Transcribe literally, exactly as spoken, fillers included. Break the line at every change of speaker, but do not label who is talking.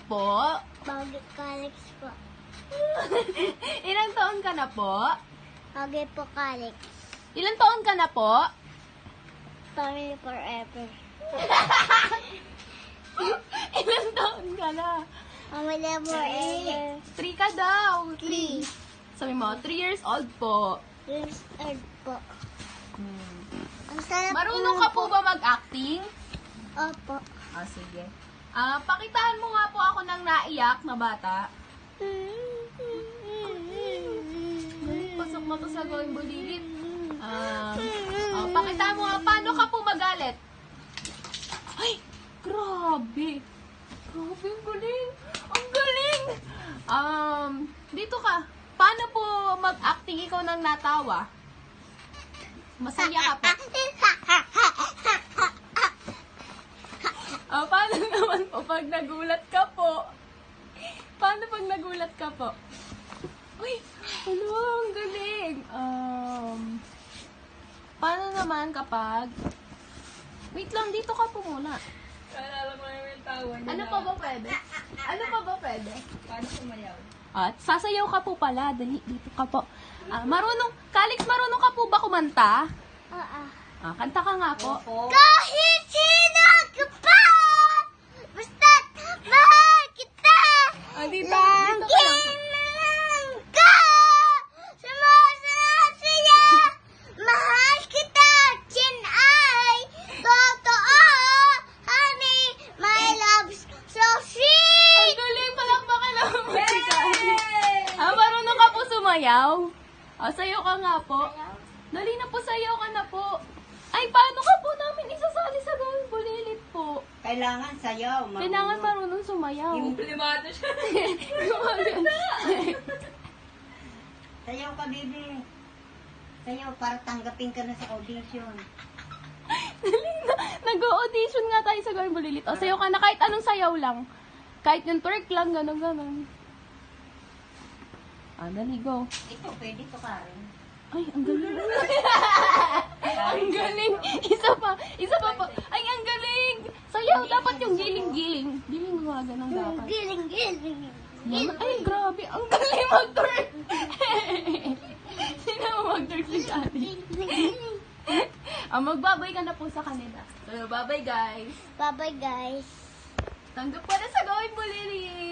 po?
Bagay Calix po.
Ilang taon ka na po?
Bagay po Calix.
Ilang taon ka na po?
Family forever.
Ilang taon ka na?
Family forever.
Three ka daw.
Three.
Sabi mo, three years old po.
Years old po.
Hmm.
Ang sarap
Marunong ka po ba mag-acting?
Opo.
Ah, sige. Ah, pakitaan mo nga po ako ng naiyak na bata. Pasok mo to sa gawing bulilit. Ah, ah, pakitaan mo nga, paano ka po magalit? Ay, grabe. Grabe, ang galing. Ang galing. Um, dito ka. Paano po mag-acting ikaw ng natawa? Masaya ka po. Ah, paano naman po pag nagulat ka po? Paano pag nagulat ka po? Uy, ano, ang galing. Um, paano naman kapag... Wait lang, dito ka po muna.
Kaalala mo naman yung tawa niya.
Ano pa ba pwede? Ano pa ba pwede?
Paano sumayaw?
At sasayaw ka po pala. Dali, dito ka po. Ah, marunong, Calix, marunong ka po ba kumanta?
Oo.
Ah, kanta ka nga po.
Opo.
Kahit sino ka pa, basta't mahal kita.
Ah, dito, dito ka
Lagi
lang.
lang ka, sumasaya, mahal kita, chin ay totoo, honey, my love's so
Ang
sweet.
galing, palakpakan lang mo si Calix. Ah, marunong ka po sumayaw? Ah, sayo ka nga po. Dali na po, sayaw ka na po. Ay, paano ka po namin isasali sa gawing bulilit po?
Kailangan sayaw. marunong.
Kailangan marunong sumayaw.
Komplimado siya.
Sayaw ka, baby. Sayaw para tanggapin ka na sa audition.
Dali na. Nag-audition nga tayo sa gawing bulilit. O, sayaw ka na kahit anong sayaw lang. Kahit yung twerk lang, gano'n, gano'n. Ah, dali, go.
Ito, pwede to, Karen.
Ay, ang galing. Ang galing. Isa pa. Isa pa po. Ay, ang galing. Sayaw, dapat yung giling-giling. Giling mo nga, ganun dapat.
Giling, giling.
Yan. Ay, grabe. Ang galing mag-twerk. Sino mo mag-twerk si Daddy? Ah, magbabay ka na po sa kanila. So, bye-bye, guys.
Bye-bye, guys.
Tanggap ka na sa gawing bulilit.